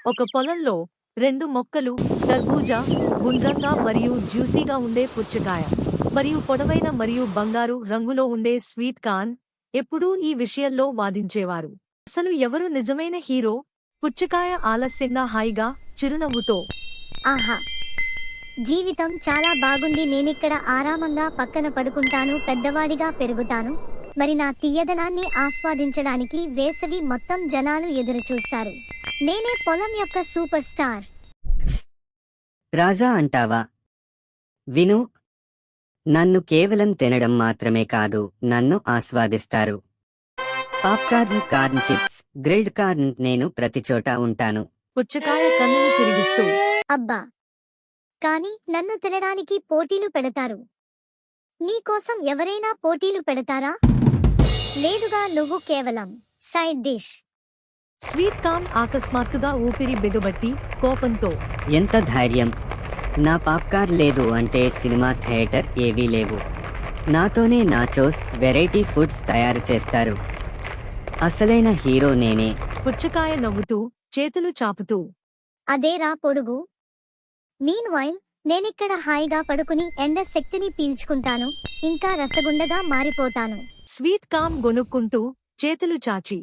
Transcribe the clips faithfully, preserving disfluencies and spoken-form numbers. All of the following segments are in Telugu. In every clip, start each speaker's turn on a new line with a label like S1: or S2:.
S1: ఒక పొలంలో రెండు మొక్కలు, తర్బూజా, గుండ్రంగా మరియు జ్యూసీగా ఉండే పుచ్చకాయ, మరియు పొడవైన మరియు బంగారు రంగులో ఉండే స్వీట్ కార్న్, ఎప్పుడూ ఈ విషయంలో వాదించేవారు. అసలు ఎవరు నిజమైన హీరో? పుచ్చకాయ ఆలస్యంగా హాయిగా, చిరునవ్వుతో,
S2: ఆహా, జీవితం చాలా బాగుంది. నేనిక్కడ ఆరామంగా పక్కన పడుకుంటాను, పెద్దవాడిగా పెరుగుతాను. మరి నా తీయదనాన్ని ఆస్వాదించడానికి వేసవి మొత్తం జనాలు ఎదురుచూస్తారు. నేనే పొలం యొక్క సూపర్ స్టార్.
S3: రాజా అంటావా? విను, నన్ను కేవలం తినడం మాత్రమే కాదు, నన్ను ఆస్వాదిస్తారు. Popcorn, corn chips, grilled corn, నేను ప్రతిచోటా ఉంటాను.
S1: పుచ్చకాయ కన్నులు తిరిగిస్తూ,
S2: అబ్బా, కానీ నన్ను తినడానికి పోటీలు పెడతారు. నీకోసం ఎవరైనా పోటీలు పెడతారా? లేదుగా, నువ్వు కేవలం సైడ్ డిష్.
S1: స్వీట్ కార్న్ అకస్మాత్తుగా ఊపిరి బిగబట్టి కోపంతో,
S3: ఎంత ధైర్యం! నా పాప్కార్న్ లేదు అంటే సినిమా థియేటర్ ఏవీ లేవు. నాతోనే నాచోస్, వెరైటీ ఫుడ్స్ తయారు చేస్తారు. అసలైన హీరో నేనే.
S1: పుచ్చకాయ నవ్వుతూ, చేతులు చాపుతూ,
S2: అదేరా పొడుగు. మీన్వైల్ నేనిక్కడ హాయిగా పడుకుని ఎండ శక్తిని పీల్చుకుంటాను, ఇంకా రసగుండగా మారిపోతాను.
S1: స్వీట్ కార్న్ గొనుక్కుంటూ, చేతులు చాచి,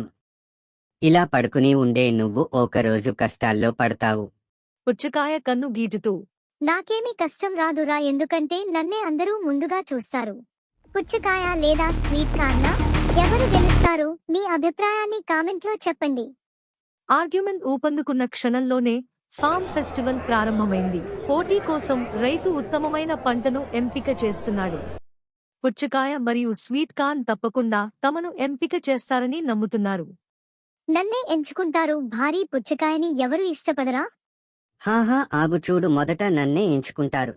S3: ఇలా పడుకుని ఉండే నువ్వు ఒకరోజు కష్టాల్లో పడతావు.
S1: పుచ్చకాయ కన్ను గీటుతూ,
S2: నాకేమీ కష్టం రాదురా, ఎందుకంటే నన్నే అందరూ ముందుగా చూస్తారు. పుచ్చకాయ లేదా స్వీట్ కార్నా? ఎవరు గెలుస్తారు? మీ అభిప్రాయాన్ని కామెంట్లో చెప్పండి.
S1: ఆర్గ్యుమెంట్ ఊపందుకున్న క్షణంలోనే ఫార్మ్ ఫెస్టివల్ ప్రారంభమైంది. పోటీ కోసం రైతు ఉత్తమమైన పంటను ఎంపిక చేస్తున్నాడు. పుచ్చకాయ మరియు స్వీట్ కార్న్ తప్పకుండా తమను ఎంపిక చేస్తారని నమ్ముతున్నారు.
S2: నన్నే ఎంచుకుంటారు. భారీ పుచ్చకాయని ఎవరు ఇష్టపడరా?
S3: హాహా, ఆగు చూడు, మొదట నన్నే ఎంచుకుంటారు.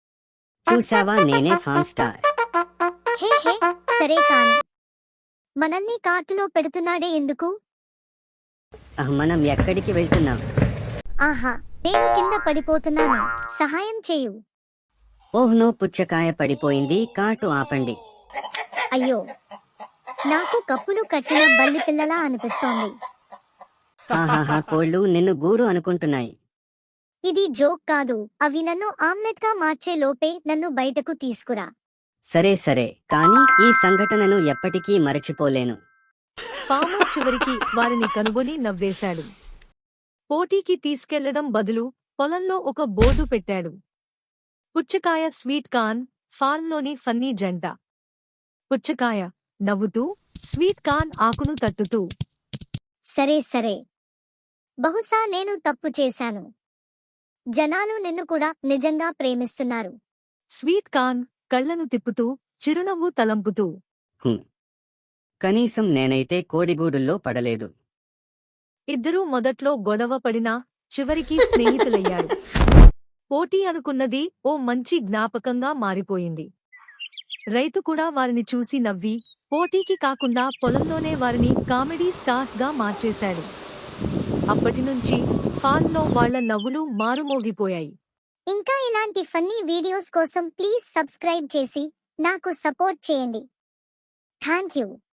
S3: చూసావా, నేనే ఫామ్ స్టార్.
S2: హే హే, సరే కాని మనల్ని కార్టులో పెడుతున్నాడే ఎందుకు?
S3: ఆహ్, మనం ఎక్కడికి వెళ్తున్నాం?
S2: ఆహా, నేను కింద పడిపోతున్నాను, సహాయం చేయు.
S3: ఓహ్ నో, పుచ్చకాయ పడిపోయింది, కార్టు ఆపండి.
S2: అయ్యో, నాకు కప్పులు కట్టిన బల్లి పిల్లలా అనిపిస్తోంది.
S3: హాహాహా, కోళ్ళు నిన్ను గూడు అనుకుంటున్నాయి.
S2: ఇది జోక్ కాదు, అవి నన్ను ఆమ్లెట్ గా మార్చే లోపే నన్ను బయటకు తీసుకురా.
S3: సరే సరే, కానీ ఈ సంఘటనను ఎప్పటికీ మరచిపోలేను.
S1: ఫార్మర్ చివరికి వారిని కనుగొని నవ్వేశాడు. పోటీకి తీసుకెళ్లడం బదులు పొలంలో ఒక బోర్డు పెట్టాడు. పుచ్చకాయ స్వీట్ కార్న్, ఫార్మ్లోని ఫన్నీ జంట. పుచ్చకాయ నవ్వుతూ, స్వీట్ కార్న్ ఆకును తట్టుతూ,
S2: సరే సరే, బహుశా నేను తప్పు చేశాను. జనాలు నిన్ను కూడా నిజంగా ప్రేమిస్తున్నారు.
S1: స్వీట్ కార్న్ కళ్లను తిప్పుతూ, చిరునవ్వు తలంపుతూ,
S3: హ్మ్. కనీసం నేనైతే కోడిగూడుల్లో పడలేదు.
S1: ఇద్దరూ మొదట్లో గొడవ పడినా చివరికి స్నేహితులయ్యారు. పోటీ అనుకున్నది ఓ మంచి జ్ఞాపకంగా మారిపోయింది. రైతు కూడా వారిని చూసి నవ్వి, పోటీకి కాకుండా పొలంలోనే వారిని కామెడీ స్టార్స్ గా మార్చేశాడు. అప్పటినుంచి ఫార్మ్లో వాళ్ల నవ్వులు మారుమోగిపోయాయి.
S2: ఇంకా ఇలాంటి ఫన్నీ వీడియోస్ కోసం ప్లీజ్ సబ్స్క్రైబ్ చేసి నాకు సపోర్ట్ చేయండి. Thank you.